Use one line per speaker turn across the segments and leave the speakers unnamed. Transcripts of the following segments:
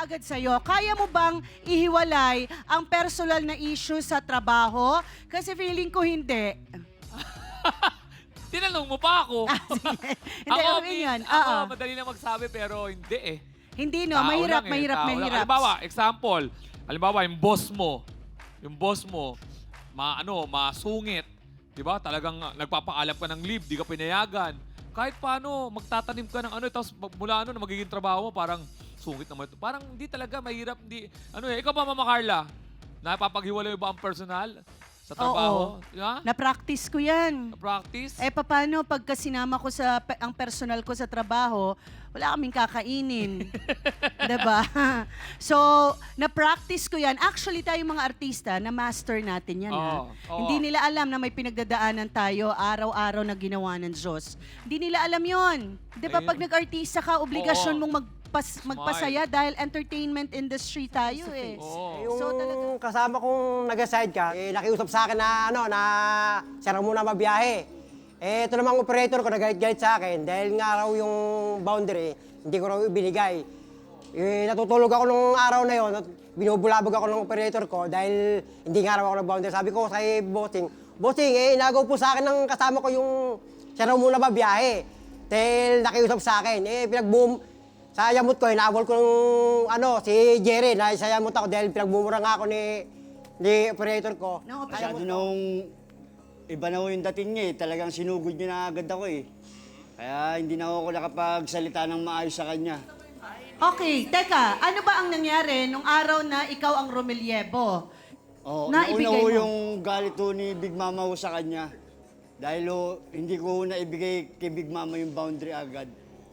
kaagad sa'yo, kaya mo bang ihiwalay ang personal na issue sa trabaho? Kasi feeling ko hindi.
Tinanong mo pa ako.
Hindi,
ako,
okay yun.
ako,
Oo.
madali na magsabi pero hindi eh.
Hindi, no?
Tao
Mahirap,
lang eh,
mahirap,
tao lang.
mahirap.
Halimbawa, example. Halimbawa, yung boss mo, masungit. Diba? Talagang nagpapaalam ka ng leave, di ka pinayagan. Kahit paano, magtatanim ka ng tapos mula na magiging trabaho mo, parang sungit naman ito. Parang hindi talaga, mahirap, ikaw ba, Mama Carla? Napapaghiwalay mo ba ang personal sa trabaho?
Oo.
Yeah?
Na-practice ko yan.
Practice?
Paano pagka sinama ko ang personal ko sa trabaho, wala kaming kakainin. Diba? So, na-practice ko yan. Actually, tayong mga artista, na-master natin yan.
Oo, oo.
Hindi nila alam na may pinagdadaanan tayo araw-araw na ginawa ng Diyos. Hindi nila alam yon. Diba,
Ayun.
pag nag-artista ka, obligasyon
Oo.
mong magpasaya dahil entertainment industry tayo eh.
Oo.
Yung
So, talaga-
kasama kong nag-aside ka, nakiusap sa akin na sarang muna mabiyahe. Ito namang operator ko nagalit-galit sa akin dahil nga raw yung boundary, hindi ko raw ibinigay. Natutulog ako nung araw na yon at binubulabog ako ng operator ko dahil hindi nga raw ako nag-boundary. Sabi ko kay Bossing, inagaw po sa akin ng kasama ko yung siya raw muna mabiyahe. Dahil nakiusap sa akin, sa yamot ko, inabol ko nung si Jerry, na sa yamot ako dahil pinagbumura nga ako ni operator ko.
No,
Masyado nung iba na ho yung dating niya eh. Talagang sinugod niya na agad ako eh. Kaya hindi na ako nakapagsalita ng maayos sa kanya.
Okay, teka, ano ba ang nangyari nung araw na ikaw ang Romelyebo?
Oh,
Naibigay
nauna ho
mo?
yung galit ho ni Big Mama ho sa kanya. Dahil ho, hindi ko ho naibigay kay Big Mama yung boundary agad.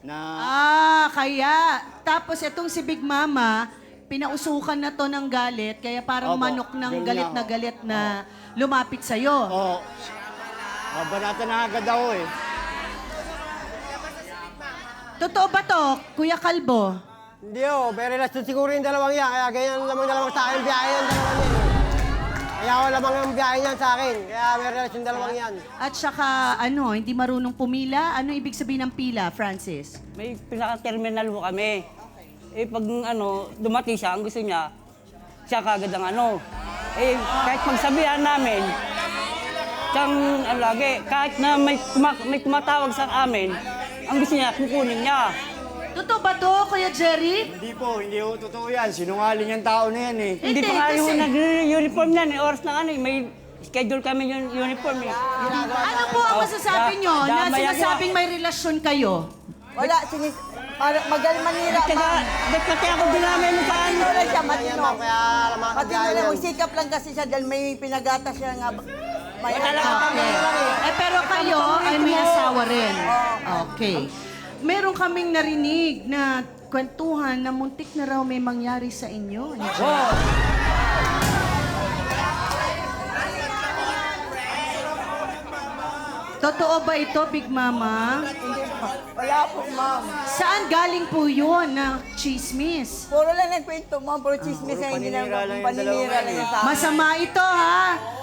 Kaya. Tapos itong si Big Mama, pinausukan na to ng galit, kaya parang
Opo,
manok ng
ganun na
galit na lumapit sa'yo.
Oo. Banatan na agad ako eh.
Totoo ba to, Kuya Kalbo?
Hindi may relasyon siguro yung dalawang yan. Kaya ganyan lamang sa akin biyahe yung dalawang yan. Kaya ako lamang ang biyahe yan sa akin. Kaya may relasyon dalawang yan.
At saka, hindi marunong pumila? Ano ibig sabihin ng pila, Francis?
May pinaka-terminal ho kami. Pag dumating siya, ang gusto niya, siya kagad ang kahit pagsabihan namin, siyang lagi, kahit na may tumatawag sa amin, ang gusto niya, kukunin niya.
Totoo ba to, Kuya Jerry?
Hindi ho totoo yan. Sinungaling yung tao na yan eh.
Hindi pa nga
kasi-
yung nag-uniform yan, oras na may schedule kami yung uniform eh.
Ano po ang masasabi nyo na
damay ako.
sinasabing may relasyon kayo?
Wala, magaling manira,
Kaya,
ma'am.
ba't pati ako dinamay mo paano?
Matino lang siya, matino.
Kaya lamang ang
Matino
biyahe
lang,
yan.
magsikap lang kasi siya dahil may pinagata siya nga. May
Pero kayo ay may asawa rin. Okay. Meron kaming narinig na kwentuhan na muntik na raw may mangyari sa inyo. Ano dyan? Totoo ba ito, Big Mama?
Wala po, ma'am.
Saan galing po yun na chismis?
Puro lang nagkwento, ma'am. Puro chismis na hindi na
paninira lang yung
paninira
dalawa
lang
yan
yung sa akin.
Masama ito, ha?